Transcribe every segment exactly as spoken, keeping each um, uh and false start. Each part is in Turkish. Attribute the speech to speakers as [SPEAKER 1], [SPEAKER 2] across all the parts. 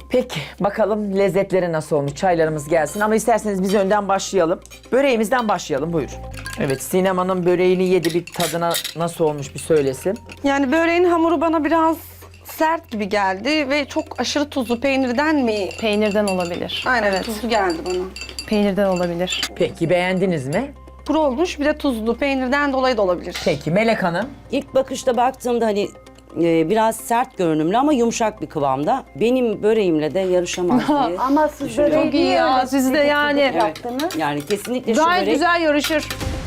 [SPEAKER 1] Peki bakalım lezzetleri nasıl olmuş? Çaylarımız gelsin ama isterseniz biz önden başlayalım. Böreğimizden başlayalım buyur. Evet Sinem Hanım böreğini yedi, bir tadına nasıl olmuş bir söylesin.
[SPEAKER 2] Yani böreğin hamuru bana biraz sert gibi geldi ve çok aşırı tuzlu. Peynirden mi?
[SPEAKER 3] Peynirden olabilir.
[SPEAKER 2] Aynen
[SPEAKER 3] Evet.
[SPEAKER 2] tuzlu geldi bana.
[SPEAKER 3] Peynirden olabilir.
[SPEAKER 1] Peki beğendiniz mi?
[SPEAKER 2] Kuru olmuş bir de tuzlu. Peynirden dolayı da olabilir.
[SPEAKER 1] Peki Melek Hanım.
[SPEAKER 4] İlk bakışta baktığımda hani e, biraz sert görünümlü ama yumuşak bir kıvamda. Benim böreğimle de yarışamaz diye.
[SPEAKER 5] Ama siz böreği
[SPEAKER 3] Çok iyi
[SPEAKER 5] niye
[SPEAKER 3] ya,
[SPEAKER 5] öyle
[SPEAKER 3] siz de
[SPEAKER 5] sıkı
[SPEAKER 3] yani-
[SPEAKER 5] sıkı yaptınız?
[SPEAKER 4] Yani kesinlikle şu
[SPEAKER 3] Gayet
[SPEAKER 4] börek
[SPEAKER 3] güzel yarışır.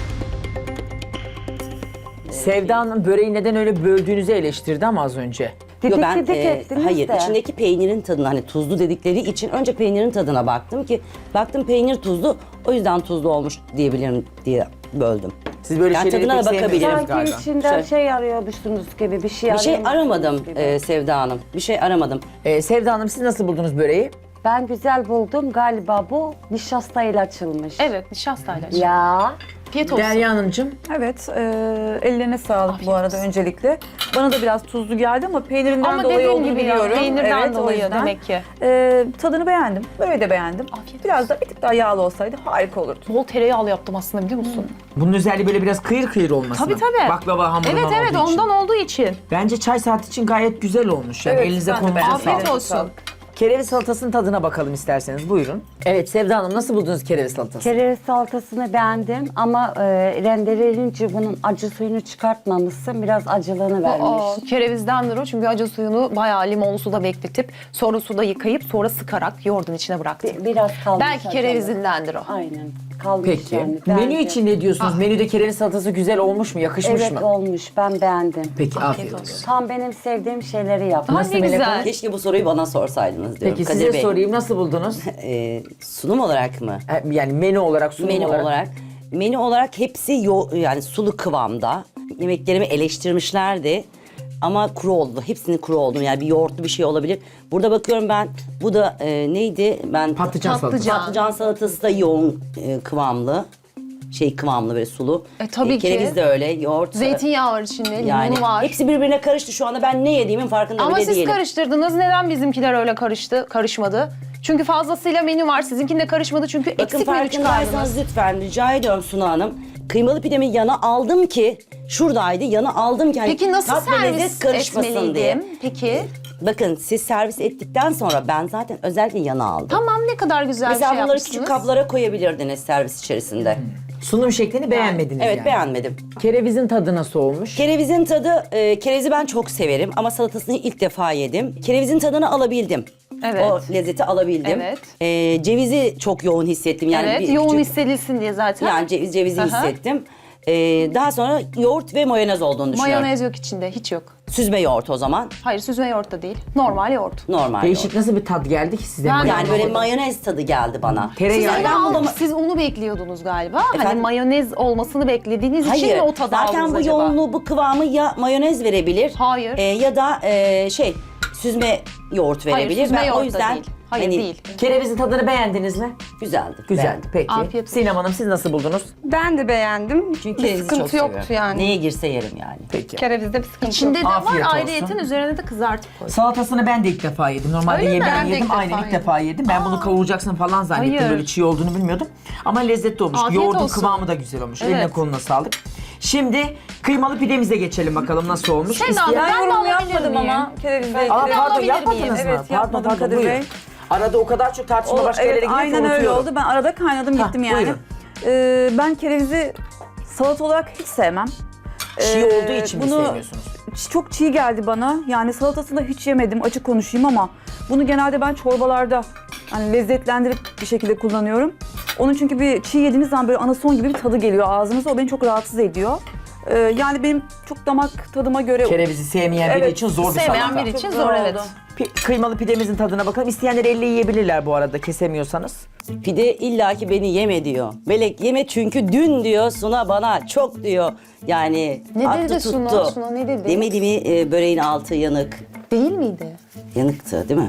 [SPEAKER 1] Sevda Hanım böreği neden öyle böldüğünüzü eleştirdi ama az önce.
[SPEAKER 4] Yo,
[SPEAKER 5] Didik
[SPEAKER 4] ben
[SPEAKER 5] didik
[SPEAKER 4] e,
[SPEAKER 5] ettiniz
[SPEAKER 4] hayır
[SPEAKER 5] de.
[SPEAKER 4] içindeki peynirin tadına hani tuzlu dedikleri için önce peynirin tadına baktım ki baktım peynir tuzlu o yüzden tuzlu olmuş diyebilirim diye böldüm.
[SPEAKER 1] Siz böyle
[SPEAKER 4] Yani
[SPEAKER 1] şeyleri
[SPEAKER 4] tadına
[SPEAKER 1] pek
[SPEAKER 4] da bakabilirim.
[SPEAKER 1] sevmiyorsunuz
[SPEAKER 5] Sanki
[SPEAKER 1] galiba.
[SPEAKER 5] içinden
[SPEAKER 4] Şey-
[SPEAKER 5] şey arıyormuşsunuz gibi bir şey
[SPEAKER 4] Bir şey
[SPEAKER 5] arıyormuşsunuz
[SPEAKER 4] aramadım
[SPEAKER 5] gibi.
[SPEAKER 4] e, Sevda Hanım. Bir şey aramadım.
[SPEAKER 1] Ee, Sevda Hanım siz nasıl buldunuz böreği?
[SPEAKER 5] Ben güzel buldum. Galiba bu nişastayla açılmış.
[SPEAKER 3] Evet, nişastayla.
[SPEAKER 5] Ya.
[SPEAKER 3] Afiyet olsun.
[SPEAKER 1] Derya Hanımcığım.
[SPEAKER 6] Evet, e, ellerine sağlık bu arada öncelikle. Bana da biraz tuzlu geldi ama peynirinden
[SPEAKER 3] Ama
[SPEAKER 6] dolayı
[SPEAKER 3] dediğim
[SPEAKER 6] olduğunu
[SPEAKER 3] gibi ya,
[SPEAKER 6] biliyorum.
[SPEAKER 3] peynirden
[SPEAKER 6] Evet, o
[SPEAKER 3] dolayı
[SPEAKER 6] yüzden.
[SPEAKER 3] demek ki.
[SPEAKER 6] E, tadını beğendim, böyle de beğendim.
[SPEAKER 3] Afiyet
[SPEAKER 6] Biraz da bir tık daha yağlı olsaydı harika olurdu.
[SPEAKER 3] Bol tereyağlı yaptım aslında biliyor musun?
[SPEAKER 1] Bunun özelliği böyle biraz kıyır kıyır olması.
[SPEAKER 3] Tabii tabii.
[SPEAKER 1] Baklava hamurundan
[SPEAKER 3] Evet evet
[SPEAKER 1] olduğu için.
[SPEAKER 3] ondan olduğu için.
[SPEAKER 1] Bence çay saati için gayet güzel olmuş. Yani
[SPEAKER 6] Evet,
[SPEAKER 1] elinize
[SPEAKER 6] ben de
[SPEAKER 1] kolunuza
[SPEAKER 6] beğendim.
[SPEAKER 1] sağlık.
[SPEAKER 3] Afiyet olsun.
[SPEAKER 1] Kereviz salatasının tadına bakalım isterseniz. Buyurun. Evet Sevda Hanım nasıl buldunuz kereviz salatası?
[SPEAKER 5] Kereviz salatasını beğendim ama e, rendelenince bunun acı suyunu çıkartmamışsın. Biraz acılığını vermiş.
[SPEAKER 3] Aa, kerevizdendir o çünkü acı suyunu bayağı limonlu suda bekletip sonra suda yıkayıp sonra sıkarak yoğurdun içine bıraktım.
[SPEAKER 5] Bi- biraz kalmış.
[SPEAKER 3] Belki
[SPEAKER 5] acılı.
[SPEAKER 3] kerevizindendir o.
[SPEAKER 5] Aynen. Kalmış
[SPEAKER 1] Peki.
[SPEAKER 5] yani.
[SPEAKER 1] Menü
[SPEAKER 5] Bence.
[SPEAKER 1] için ne diyorsunuz? Menüde kereviz salatası güzel olmuş mu? Yakışmış
[SPEAKER 5] Evet
[SPEAKER 1] mı?
[SPEAKER 5] olmuş. Ben beğendim.
[SPEAKER 1] Peki afiyet,
[SPEAKER 3] Afiyet
[SPEAKER 1] olsun.
[SPEAKER 3] olsun.
[SPEAKER 5] Tam benim sevdiğim şeyleri yaptım.
[SPEAKER 3] Ay
[SPEAKER 1] Nasıl
[SPEAKER 3] ne
[SPEAKER 1] Melek
[SPEAKER 3] güzel.
[SPEAKER 1] Hanım?
[SPEAKER 4] Keşke bu soruyu bana sorsaydınız diyorum.
[SPEAKER 1] Peki
[SPEAKER 4] Kadir
[SPEAKER 1] size
[SPEAKER 4] Bey.
[SPEAKER 1] sorayım nasıl buldunuz?
[SPEAKER 4] E, sunum olarak mı?
[SPEAKER 1] E, Yani menü olarak, sunum
[SPEAKER 4] Menü
[SPEAKER 1] olarak.
[SPEAKER 4] olarak. Menü olarak hepsi yo yani sulu kıvamda. Yemeklerimi eleştirmişlerdi. Ama kuru oldu. Hepsinin kuru olduğunu yani bir yoğurtlu bir şey olabilir. Burada bakıyorum ben bu da e, neydi? Ben
[SPEAKER 1] Patlıcan salatası.
[SPEAKER 3] Patlıcan.
[SPEAKER 4] patlıcan salatası da yoğun e, kıvamlı. Şey kıvamlı böyle sulu.
[SPEAKER 3] E, tabii ki.
[SPEAKER 4] Kereviz de öyle. Yoğurt.
[SPEAKER 3] Zeytinyağı var içinde,
[SPEAKER 4] yani
[SPEAKER 3] limonu var.
[SPEAKER 4] hepsi birbirine karıştı. Şu anda ben ne yediğimin farkında
[SPEAKER 3] Ama
[SPEAKER 4] bile
[SPEAKER 3] siz
[SPEAKER 4] değilim.
[SPEAKER 3] karıştırdınız. Neden bizimkiler öyle karıştı, karışmadı? Çünkü fazlasıyla menü var. Sizinkinde karışmadı çünkü
[SPEAKER 4] Bakın
[SPEAKER 3] eksik menü
[SPEAKER 4] farkındaysanız
[SPEAKER 3] çıkardınız.
[SPEAKER 4] lütfen rica ediyorum Sunu Hanım. Kıymalı pidemi yana aldım ki şuradaydı yana aldım ki hani
[SPEAKER 3] Peki nasıl
[SPEAKER 4] tat ve lezzet
[SPEAKER 3] servis
[SPEAKER 4] karışmasın diye.
[SPEAKER 3] etmeliydim? Peki.
[SPEAKER 4] Bakın siz servis ettikten sonra ben zaten özellikle yana aldım.
[SPEAKER 3] Tamam ne kadar güzel bir
[SPEAKER 4] Mesela
[SPEAKER 3] şey
[SPEAKER 4] bunları
[SPEAKER 3] yapmışsınız.
[SPEAKER 4] küçük kaplara koyabilirdiniz servis içerisinde.
[SPEAKER 1] Sunum şeklini beğenmediniz
[SPEAKER 4] Evet
[SPEAKER 1] yani.
[SPEAKER 4] beğenmedim.
[SPEAKER 1] Kerevizin tadı nasıl olmuş?
[SPEAKER 4] Kerevizin tadı, e, kerevizi ben çok severim ama salatasını ilk defa yedim. Kerevizin tadını alabildim.
[SPEAKER 3] Evet.
[SPEAKER 4] O lezzeti alabildim.
[SPEAKER 3] Evet.
[SPEAKER 4] E, cevizi çok yoğun hissettim. Yani
[SPEAKER 3] Evet,
[SPEAKER 4] bir
[SPEAKER 3] yoğun
[SPEAKER 4] küçük-
[SPEAKER 3] hissedilsin diye zaten.
[SPEAKER 4] Yani ceviz, cevizi
[SPEAKER 3] Aha.
[SPEAKER 4] hissettim. E, daha sonra yoğurt ve mayonez olduğunu düşünüyorum.
[SPEAKER 3] Mayonez yok içinde, hiç yok.
[SPEAKER 4] Süzme yoğurt o zaman.
[SPEAKER 3] Hayır, süzme yoğurt da değil. Normal yoğurt.
[SPEAKER 4] Normal
[SPEAKER 1] Değişik
[SPEAKER 4] yoğurt.
[SPEAKER 1] nasıl bir tat geldi ki size?
[SPEAKER 3] Ben-
[SPEAKER 1] mayonez?
[SPEAKER 4] Yani böyle mayonez tadı geldi bana.
[SPEAKER 3] Siz,
[SPEAKER 1] Tereyağı.
[SPEAKER 3] öyle
[SPEAKER 4] ben
[SPEAKER 3] al-
[SPEAKER 4] bunu-
[SPEAKER 3] siz onu bekliyordunuz galiba. Hani
[SPEAKER 4] Efendim?
[SPEAKER 3] mayonez olmasını beklediğiniz için
[SPEAKER 4] Hayır.
[SPEAKER 3] mi o tadı
[SPEAKER 4] Zaten
[SPEAKER 3] aldınız
[SPEAKER 4] bu
[SPEAKER 3] acaba?
[SPEAKER 4] yoğunluğu, bu kıvamı ya mayonez verebilir.
[SPEAKER 3] Hayır.
[SPEAKER 4] e, ya da e, şey süzme yoğurt
[SPEAKER 3] Hayır,
[SPEAKER 4] verebilir.
[SPEAKER 3] süzme
[SPEAKER 4] Ben
[SPEAKER 3] yoğurt
[SPEAKER 4] o
[SPEAKER 3] da
[SPEAKER 4] yüzden
[SPEAKER 3] değil. Hayır
[SPEAKER 4] hani
[SPEAKER 3] değil.
[SPEAKER 1] Kerevizin tadını beğendiniz mi?
[SPEAKER 4] güzeldi.
[SPEAKER 1] Güzeldi
[SPEAKER 4] beğendim.
[SPEAKER 1] peki.
[SPEAKER 3] Afiyet olsun.
[SPEAKER 1] Sinem Hanım siz nasıl buldunuz?
[SPEAKER 2] Ben de beğendim.
[SPEAKER 4] Çünkü
[SPEAKER 2] bir
[SPEAKER 4] kerevizi
[SPEAKER 2] sıkıntı
[SPEAKER 4] çok
[SPEAKER 2] yoktu
[SPEAKER 4] seviyorum.
[SPEAKER 2] yani.
[SPEAKER 4] Neye girse yerim yani.
[SPEAKER 1] Peki.
[SPEAKER 2] Kerevizde bir sıkıntı
[SPEAKER 3] İçinde
[SPEAKER 2] yok.
[SPEAKER 3] de
[SPEAKER 1] Afiyet
[SPEAKER 3] var
[SPEAKER 1] olsun.
[SPEAKER 3] ayrıyeten üzerine de kızartıp koy.
[SPEAKER 1] Salatasını ben de ilk defa yedim. Normalde
[SPEAKER 3] Öyle mi?
[SPEAKER 1] yemeği
[SPEAKER 3] Ben de
[SPEAKER 1] yedim.
[SPEAKER 3] ilk
[SPEAKER 1] Aynen
[SPEAKER 3] defa
[SPEAKER 1] ilk
[SPEAKER 3] yedim.
[SPEAKER 1] defa yedim. Ben bunu kavuracaksın falan zannettim.
[SPEAKER 3] Hayır.
[SPEAKER 1] Böyle çiğ olduğunu bilmiyordum. Ama lezzetli olmuş.
[SPEAKER 3] Afiyet
[SPEAKER 1] Yoğurdun
[SPEAKER 3] olsun.
[SPEAKER 1] kıvamı da güzel olmuş.
[SPEAKER 3] Evet.
[SPEAKER 1] Eline koluna sağlık. Şimdi kıymalı pidemize geçelim bakalım nasıl olmuş.
[SPEAKER 3] Sen
[SPEAKER 1] İsteyen-
[SPEAKER 3] abi,
[SPEAKER 6] Ben,
[SPEAKER 3] Ben de
[SPEAKER 6] yorum
[SPEAKER 3] alabilir
[SPEAKER 6] yapmadım
[SPEAKER 3] miyim?
[SPEAKER 6] ama kerevizle
[SPEAKER 1] Aa,
[SPEAKER 6] ilgili.
[SPEAKER 1] pardon
[SPEAKER 3] alabilir
[SPEAKER 1] yapmadınız
[SPEAKER 3] miyim?
[SPEAKER 1] mı?
[SPEAKER 6] Evet,
[SPEAKER 1] Pardon
[SPEAKER 6] yapmadım
[SPEAKER 1] pardon
[SPEAKER 6] Kadir
[SPEAKER 1] buyurun.
[SPEAKER 6] Bey.
[SPEAKER 1] Arada o kadar çok tartışma
[SPEAKER 6] O,
[SPEAKER 1] başka
[SPEAKER 6] evet,
[SPEAKER 1] yerlere gidiyor ki
[SPEAKER 6] aynen öyle
[SPEAKER 1] unutuyorum.
[SPEAKER 6] oldu. Ben arada kaynadım
[SPEAKER 1] Ha,
[SPEAKER 6] gittim yani.
[SPEAKER 1] buyurun.
[SPEAKER 6] Ee, ben kerevizi salata olarak hiç sevmem.
[SPEAKER 1] Çiğ
[SPEAKER 6] Ee,
[SPEAKER 1] olduğu için mi
[SPEAKER 6] bunu
[SPEAKER 1] sevmiyorsunuz?
[SPEAKER 6] ç- Çok çiğ geldi bana. Yani salatasını da hiç yemedim, açık konuşayım ama bunu genelde ben çorbalarda hani lezzetlendirip bir şekilde kullanıyorum. Onun çünkü bir çiğ yediğiniz zaman böyle anason gibi bir tadı geliyor ağzınıza. O beni çok rahatsız ediyor. Ee, yani benim çok damak tadıma göre...
[SPEAKER 1] Kerevizi sevmeyen biri
[SPEAKER 6] Evet,
[SPEAKER 1] için zor bir
[SPEAKER 3] sevmeyen
[SPEAKER 1] salata.
[SPEAKER 3] biri için
[SPEAKER 6] Çok
[SPEAKER 3] zor
[SPEAKER 6] zor
[SPEAKER 3] evet.
[SPEAKER 6] oldu.
[SPEAKER 1] Pi- kıymalı pidemizin tadına bakalım. İsteyenler elle yiyebilirler bu arada kesemiyorsanız.
[SPEAKER 4] Pide illaki beni yeme diyor. Melek yeme çünkü dün diyor Suna bana çok diyor. Yani
[SPEAKER 3] Ne
[SPEAKER 4] attı
[SPEAKER 3] dedi Suna?
[SPEAKER 4] tuttu.
[SPEAKER 3] Suna ne dedi?
[SPEAKER 4] Demedi mi e, böreğin altı yanık.
[SPEAKER 3] Değil miydi?
[SPEAKER 4] Yanıktı değil mi?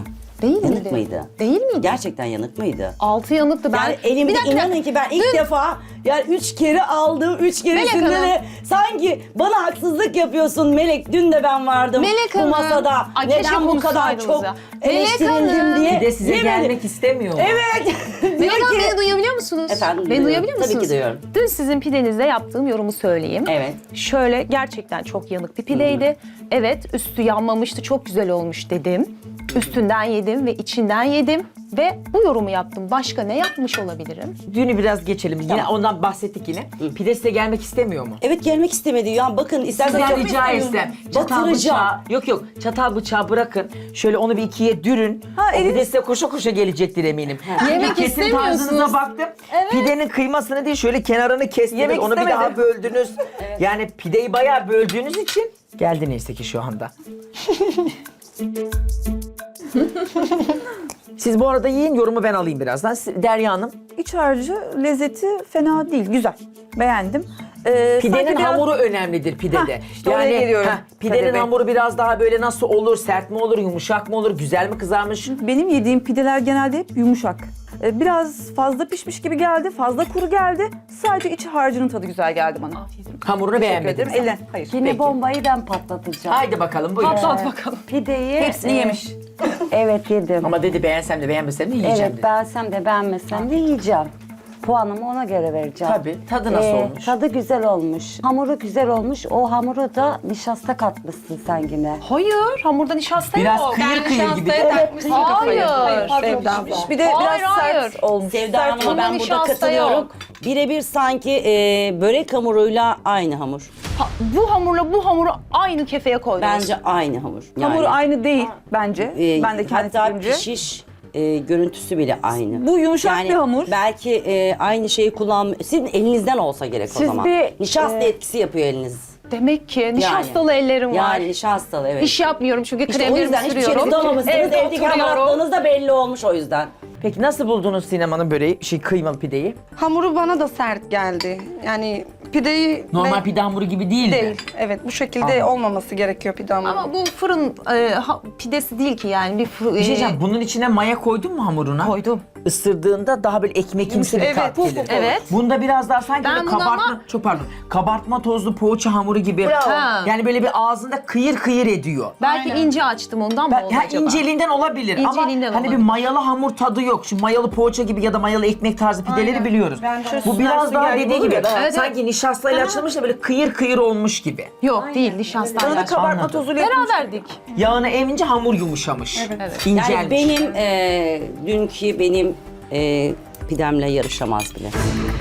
[SPEAKER 3] Değil
[SPEAKER 4] Yanık
[SPEAKER 3] miydi?
[SPEAKER 4] mıydı?
[SPEAKER 3] Değil miydi?
[SPEAKER 4] Gerçekten yanık mıydı?
[SPEAKER 3] Altı yanıktı. Ben
[SPEAKER 4] Yani elimde
[SPEAKER 3] Bir dakika.
[SPEAKER 4] inanın ki ben ilk defa yani üç kere aldım. Üç keresinde
[SPEAKER 3] Melek Hanım.
[SPEAKER 4] de sanki bana haksızlık yapıyorsun Melek. Dün de ben vardım
[SPEAKER 3] Melek
[SPEAKER 4] bu
[SPEAKER 3] Hanım.
[SPEAKER 4] masada.
[SPEAKER 3] Ay, keşke
[SPEAKER 4] Neden bu kadar
[SPEAKER 3] konuşsaydınız
[SPEAKER 4] çok
[SPEAKER 3] ya. Melek
[SPEAKER 4] eleştirildim
[SPEAKER 3] Hanım.
[SPEAKER 4] diye.
[SPEAKER 1] Bir de size
[SPEAKER 4] Yemin-
[SPEAKER 1] gelmek istemiyor mu?
[SPEAKER 4] Evet.
[SPEAKER 3] Melek
[SPEAKER 4] Diyor
[SPEAKER 3] Hanım
[SPEAKER 4] ki-
[SPEAKER 3] beni duyabiliyor musunuz?
[SPEAKER 4] Efendim,
[SPEAKER 3] Beni
[SPEAKER 4] duyuyorum.
[SPEAKER 3] duyabiliyor
[SPEAKER 4] Tabii ki
[SPEAKER 3] musunuz?
[SPEAKER 4] duyuyorum.
[SPEAKER 3] Dün sizin pidenizde yaptığım yorumu söyleyeyim.
[SPEAKER 4] Evet.
[SPEAKER 3] Şöyle gerçekten çok yanık bir pideydi. Evet, üstü yanmamıştı, çok güzel olmuş dedim. Üstünden yedim ve içinden yedim. Ve bu yorumu yaptım. Başka ne yapmış olabilirim?
[SPEAKER 1] Dünü biraz geçelim. Yine ondan bahsettik yine. Pide size gelmek istemiyor mu?
[SPEAKER 4] Evet gelmek istemedi. Ya bakın isterseniz
[SPEAKER 1] Sizden rica etsem. Çatal
[SPEAKER 4] Batıracağım.
[SPEAKER 1] bıçağı. Yok yok. Çatal bıçağı bırakın. Şöyle onu bir ikiye dürün.
[SPEAKER 6] Ha,
[SPEAKER 1] o
[SPEAKER 6] eliniz-
[SPEAKER 1] pide size koşa koşa gelecektir eminim.
[SPEAKER 3] Yemek
[SPEAKER 1] Kesim
[SPEAKER 3] istemiyorsunuz.
[SPEAKER 1] tarzınıza baktım. Pidenin kıymasını değil şöyle kenarını kestiniz.
[SPEAKER 6] Yemek
[SPEAKER 1] onu bir
[SPEAKER 6] istemedim.
[SPEAKER 1] daha böldünüz. Yani pideyi bayağı böldüğünüz için geldi neyse ki şu anda. Siz bu arada yiyin, yorumu ben alayım birazdan. Siz- Derya Hanım,
[SPEAKER 6] İç harcı lezzeti fena değil. Güzel. Beğendim. Ee,
[SPEAKER 1] pidenin
[SPEAKER 6] sanki biraz-
[SPEAKER 1] hamuru önemlidir pidede.
[SPEAKER 6] Hah, işte oraya geliyorum.
[SPEAKER 1] heh, pidenin
[SPEAKER 6] Kadir Bey.
[SPEAKER 1] hamuru biraz daha böyle nasıl olur, sert mi olur, yumuşak mı olur, güzel mi kızarmış?
[SPEAKER 6] Benim yediğim pideler genelde hep yumuşak. Ee, biraz fazla pişmiş gibi geldi, fazla kuru geldi. Sadece iç harcının tadı güzel geldi bana.
[SPEAKER 1] Hamurunu
[SPEAKER 6] Teşekkür
[SPEAKER 1] beğenmedim.
[SPEAKER 6] ederim. Elle. Hayır.
[SPEAKER 5] Yine
[SPEAKER 1] Peki.
[SPEAKER 5] bombayı ben patlatacağım.
[SPEAKER 1] Haydi bakalım buyurun.
[SPEAKER 3] Patlat bakalım.
[SPEAKER 5] Pideyi...
[SPEAKER 6] Hepsini
[SPEAKER 5] e,
[SPEAKER 6] yemiş.
[SPEAKER 5] Evet yedim.
[SPEAKER 1] Ama dedi beğensem de beğenmesem de yiyeceğim
[SPEAKER 5] Evet
[SPEAKER 1] dedi.
[SPEAKER 5] beğensem de beğenmesem de yiyeceğim. Puanımı ona göre vereceğim.
[SPEAKER 1] Tabii. Tadı nasıl
[SPEAKER 5] Ee,
[SPEAKER 1] olmuş?
[SPEAKER 5] Tadı güzel olmuş. Hamuru güzel olmuş. O hamuru da nişasta katmışsın sen yine.
[SPEAKER 3] Hayır, hamurda nişasta
[SPEAKER 1] Biraz
[SPEAKER 3] yok.
[SPEAKER 1] kıyır kıyır gibi.
[SPEAKER 3] Hayır.
[SPEAKER 6] Sevda. Bir de
[SPEAKER 3] Hayır,
[SPEAKER 6] biraz
[SPEAKER 3] hayır.
[SPEAKER 6] sert olmuş.
[SPEAKER 4] Sevda
[SPEAKER 6] Sert
[SPEAKER 4] Hanım'a
[SPEAKER 3] Bunda
[SPEAKER 4] ben burada
[SPEAKER 3] nişasta
[SPEAKER 4] katılıyorum.
[SPEAKER 3] yok.
[SPEAKER 4] Birebir sanki e, börek hamuruyla aynı hamur.
[SPEAKER 3] Ha, bu hamurla bu hamuru aynı kefeye koydunuz.
[SPEAKER 4] Bence aynı hamur.
[SPEAKER 6] Hamur
[SPEAKER 4] Yani,
[SPEAKER 6] aynı değil bence.
[SPEAKER 4] e,
[SPEAKER 6] ben de kendi
[SPEAKER 4] hatta
[SPEAKER 6] fikrimce.
[SPEAKER 4] pişiş e, görüntüsü bile aynı.
[SPEAKER 6] Bu yumuşak
[SPEAKER 4] Yani
[SPEAKER 6] bir hamur.
[SPEAKER 4] belki e, aynı şeyi kullan. Sizin elinizden olsa gerek o
[SPEAKER 5] Siz
[SPEAKER 4] zaman.
[SPEAKER 5] bir,
[SPEAKER 4] Nişasta
[SPEAKER 5] e,
[SPEAKER 4] etkisi yapıyor eliniz.
[SPEAKER 3] Demek ki nişastalı ellerim var.
[SPEAKER 4] Yani nişastalı evet.
[SPEAKER 3] İş yapmıyorum çünkü
[SPEAKER 4] İşte o
[SPEAKER 3] kremlerimi
[SPEAKER 4] yüzden hiçbir şey
[SPEAKER 3] sürüyorum.
[SPEAKER 4] tutamamışsınız.
[SPEAKER 3] Evde
[SPEAKER 4] Evdeki
[SPEAKER 3] oturuyorum.
[SPEAKER 4] hamaratlığınız da belli olmuş o yüzden.
[SPEAKER 1] Peki nasıl buldunuz sinemanın böreği, şey kıymalı pideyi?
[SPEAKER 2] Hamuru bana da sert geldi. Yani pideyi...
[SPEAKER 1] Normal
[SPEAKER 2] ve-
[SPEAKER 1] pide hamuru gibi değil,
[SPEAKER 2] Değil.
[SPEAKER 1] mi?
[SPEAKER 2] Evet bu şekilde
[SPEAKER 1] Anladım.
[SPEAKER 2] olmaması gerekiyor pide hamuru.
[SPEAKER 3] Ama bu fırın e, ha- pidesi değil ki yani. Bir, fır,
[SPEAKER 1] Bir şey diyeceğim, bunun içine maya koydun mu hamuruna?
[SPEAKER 3] Koydum.
[SPEAKER 1] Isırdığında daha böyle ekmekimsi bir
[SPEAKER 2] Evet,
[SPEAKER 1] tat
[SPEAKER 2] puf
[SPEAKER 1] gelir.
[SPEAKER 2] puf
[SPEAKER 3] Evet.
[SPEAKER 1] Bunda biraz daha sanki
[SPEAKER 3] Ben
[SPEAKER 1] böyle
[SPEAKER 3] bunu
[SPEAKER 1] kabartma,
[SPEAKER 3] ama-
[SPEAKER 1] çok pardon, kabartma tozlu poğaça hamuru gibi.
[SPEAKER 3] Ha.
[SPEAKER 1] Yani böyle bir ağzında kıyır kıyır ediyor.
[SPEAKER 3] Belki ince açtım ondan mı
[SPEAKER 1] Ben,
[SPEAKER 3] oldu
[SPEAKER 1] ha,
[SPEAKER 3] acaba?
[SPEAKER 1] inceliğinden olabilir ama
[SPEAKER 3] İnceliğinden
[SPEAKER 1] hani bir
[SPEAKER 3] olabilir.
[SPEAKER 1] mayalı hamur tadı yok. Şu mayalı poğaça gibi ya da mayalı ekmek tarzı pideleri
[SPEAKER 2] Aynen.
[SPEAKER 1] biliyoruz.
[SPEAKER 2] Ben de
[SPEAKER 1] Bu biraz
[SPEAKER 2] sünger
[SPEAKER 1] daha
[SPEAKER 2] sünger
[SPEAKER 1] dediği
[SPEAKER 2] gibi
[SPEAKER 1] gibi
[SPEAKER 2] oluyor.
[SPEAKER 3] Evet,
[SPEAKER 1] sanki nişastayla açılmış da böyle kıyır kıyır olmuş gibi.
[SPEAKER 3] Yok değil nişasta.
[SPEAKER 6] Bana da kabartma
[SPEAKER 1] Anladım.
[SPEAKER 6] tozuyla yapılmış.
[SPEAKER 3] Beraberdik.
[SPEAKER 1] Yağını emince hamur yumuşamış.
[SPEAKER 3] Evet.
[SPEAKER 1] İncelmiş.
[SPEAKER 4] Yani benim e, dünkü benim e, pidemle yarışamaz bile.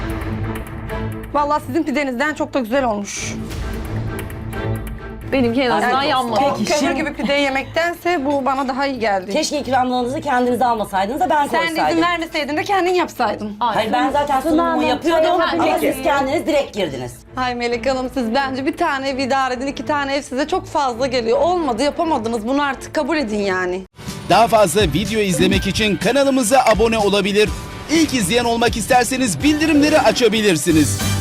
[SPEAKER 2] Vallahi sizin pidenizden çok da güzel olmuş.
[SPEAKER 3] Benimki en azından
[SPEAKER 4] Yani-
[SPEAKER 3] yanmadı.
[SPEAKER 2] O
[SPEAKER 1] Peki,
[SPEAKER 2] kömür
[SPEAKER 1] şimdi-
[SPEAKER 2] gibi pideyi yemektense bu bana daha iyi geldi.
[SPEAKER 4] Keşke ikramlarınızı kendinize almasaydınız da ben
[SPEAKER 2] Sen de
[SPEAKER 4] koysaydım.
[SPEAKER 2] izin vermeseydin de kendin yapsaydın.
[SPEAKER 4] Hayır ben zaten sunumumu
[SPEAKER 5] Hanım,
[SPEAKER 4] yapıyordum
[SPEAKER 5] çay
[SPEAKER 4] ama
[SPEAKER 5] yapabilir
[SPEAKER 4] siz kendiniz direkt girdiniz.
[SPEAKER 2] Hay Melek Hanım siz bence bir tane ev idare edin, iki tane ev size çok fazla geliyor. Olmadı yapamadınız bunu artık kabul edin yani.
[SPEAKER 7] Daha fazla video izlemek için kanalımıza abone olabilir. İlk izleyen olmak isterseniz bildirimleri açabilirsiniz.